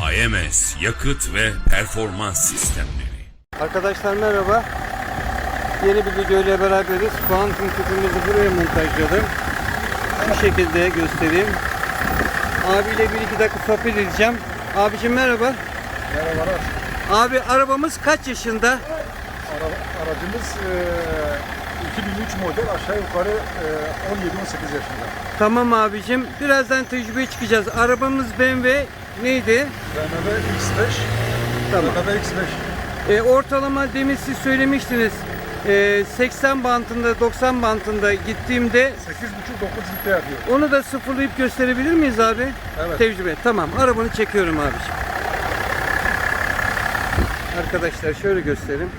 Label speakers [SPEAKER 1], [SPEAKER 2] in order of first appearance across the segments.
[SPEAKER 1] AMS Yakıt ve Performans Sistemleri.
[SPEAKER 2] Arkadaşlar merhaba. Yeni bir video ile beraberiz. Kuantum tüpümüzü buraya montajladım. Şu şekilde göstereyim. Abiyle 1-2 dakika sohbet edeceğim. Abicim merhaba.
[SPEAKER 3] Merhaba.
[SPEAKER 2] Abi arabamız kaç yaşında?
[SPEAKER 3] Aracımız 2003 model, aşağı yukarı 17-18 yaşında.
[SPEAKER 2] Tamam abicim. Birazdan tecrübeye çıkacağız. Arabamız BMW neydi?
[SPEAKER 3] BMW X5.
[SPEAKER 2] Tamam.
[SPEAKER 3] BMW X5.
[SPEAKER 2] Ortalama demin siz söylemiştiniz. 80 bantında 90 bantında gittiğimde
[SPEAKER 3] 8,5-9 litre yapıyor.
[SPEAKER 2] onu da sıfırlayıp gösterebilir miyiz abi?
[SPEAKER 3] Evet.
[SPEAKER 2] Tecrübe. Tamam. Arabanı çekiyorum abiciğim. Arkadaşlar şöyle göstereyim.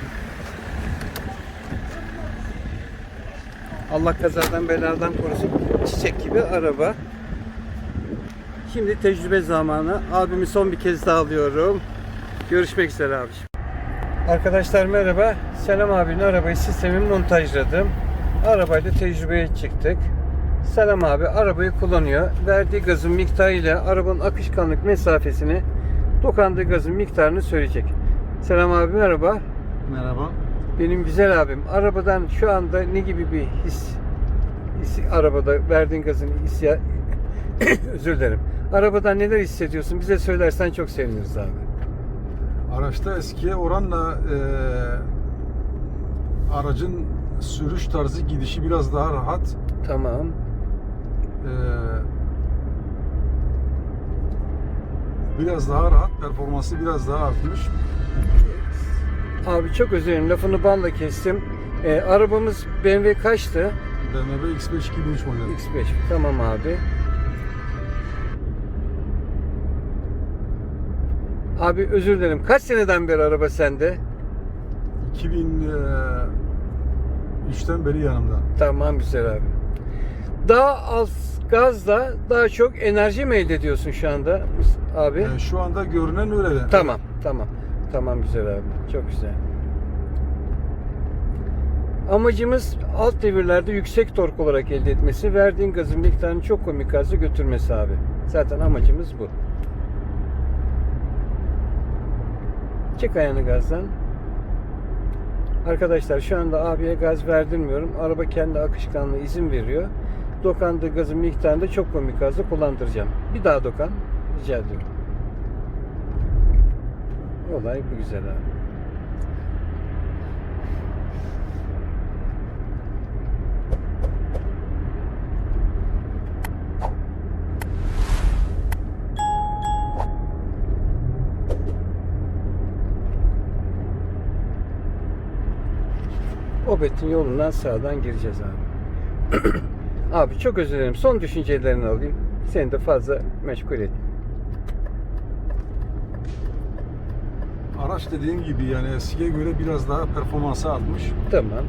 [SPEAKER 2] Allah kazadan beladan korusun. Çiçek gibi araba. Şimdi tecrübe zamanı. Abimi son bir kez daha alıyorum. Görüşmek üzere abiciğim. Arkadaşlar merhaba. Selam abinin arabayı sistemi montajladım. Arabayla tecrübeye çıktık. Selam abi arabayı kullanıyor. Verdiği gazın miktarıyla arabanın akışkanlık mesafesini, dokandığı gazın miktarını söyleyecek. Selam abi merhaba.
[SPEAKER 3] Merhaba.
[SPEAKER 2] Benim güzel abim. Arabadan şu anda ne gibi bir his arabada verdiğin gazın hissi özür dilerim. Arabadan neler hissediyorsun? Bize söylersen çok seviniriz abi.
[SPEAKER 3] Araçta eskiye oranla aracın sürüş tarzı, gidişi biraz daha rahat.
[SPEAKER 2] Tamam.
[SPEAKER 3] Biraz daha rahat, performansı biraz daha artmış.
[SPEAKER 2] Abi çok özür dilerim. Lafını balla kestim. Arabamız BMW kaçtı?
[SPEAKER 3] BMW X5 2003 model.
[SPEAKER 2] X5. Tamam abi. Abi özür dilerim. Kaç seneden beri araba sende?
[SPEAKER 3] 2003'ten beri yanımda.
[SPEAKER 2] Tamam güzel abi. Daha az gazla daha çok enerji mi elde ediyorsun şu anda abi?
[SPEAKER 3] Şu anda görünen öyle.
[SPEAKER 2] Tamam, tamam. Tamam güzel abi. Çok güzel. Amacımız alt devirlerde yüksek tork olarak elde etmesi, verdiğin gazın miktarını çok komik gazla götürmesi abi. Zaten amacımız bu. Çek ayağını gazdan. Arkadaşlar şu anda abiye gaz verdirmiyorum. Araba kendi akışkanlığı izin veriyor. Dokandığı gazın miktarını da çok komik gazla kullandıracağım. Bir daha dokan. Rica ediyorum. Olay bu güzel abi. Obet'in yolundan sağdan gireceğiz abi. Abi çok özür dilerim. Son düşüncelerini alayım. Seni de fazla meşgul ettim.
[SPEAKER 3] Araç dediğim gibi yani eskiye göre biraz daha performansı artmış.
[SPEAKER 2] Tamam.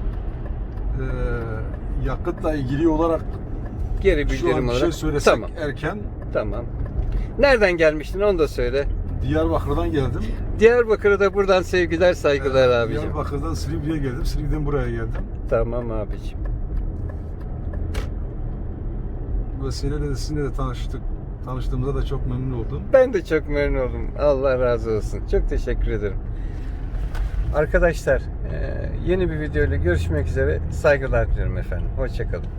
[SPEAKER 3] Yakıtla ilgili olarak
[SPEAKER 2] Geri
[SPEAKER 3] şu
[SPEAKER 2] bildirim
[SPEAKER 3] an bir
[SPEAKER 2] olarak.
[SPEAKER 3] şey söylesek
[SPEAKER 2] Tamam.
[SPEAKER 3] erken.
[SPEAKER 2] Tamam. Nereden gelmiştin onu da söyle.
[SPEAKER 3] Diyarbakır'dan geldim.
[SPEAKER 2] Diyarbakır'a da buradan sevgiler saygılar abicim.
[SPEAKER 3] Diyarbakır'dan Silivri'ye geldim. Silivri'den buraya geldim.
[SPEAKER 2] Tamam abicim.
[SPEAKER 3] Bu vesileyle de sizinle de tanıştığımıza da çok memnun oldum.
[SPEAKER 2] Ben de çok memnun oldum. Allah razı olsun. Çok teşekkür ederim. Arkadaşlar yeni bir video ile görüşmek üzere. Saygılar diliyorum efendim. Hoşça kalın.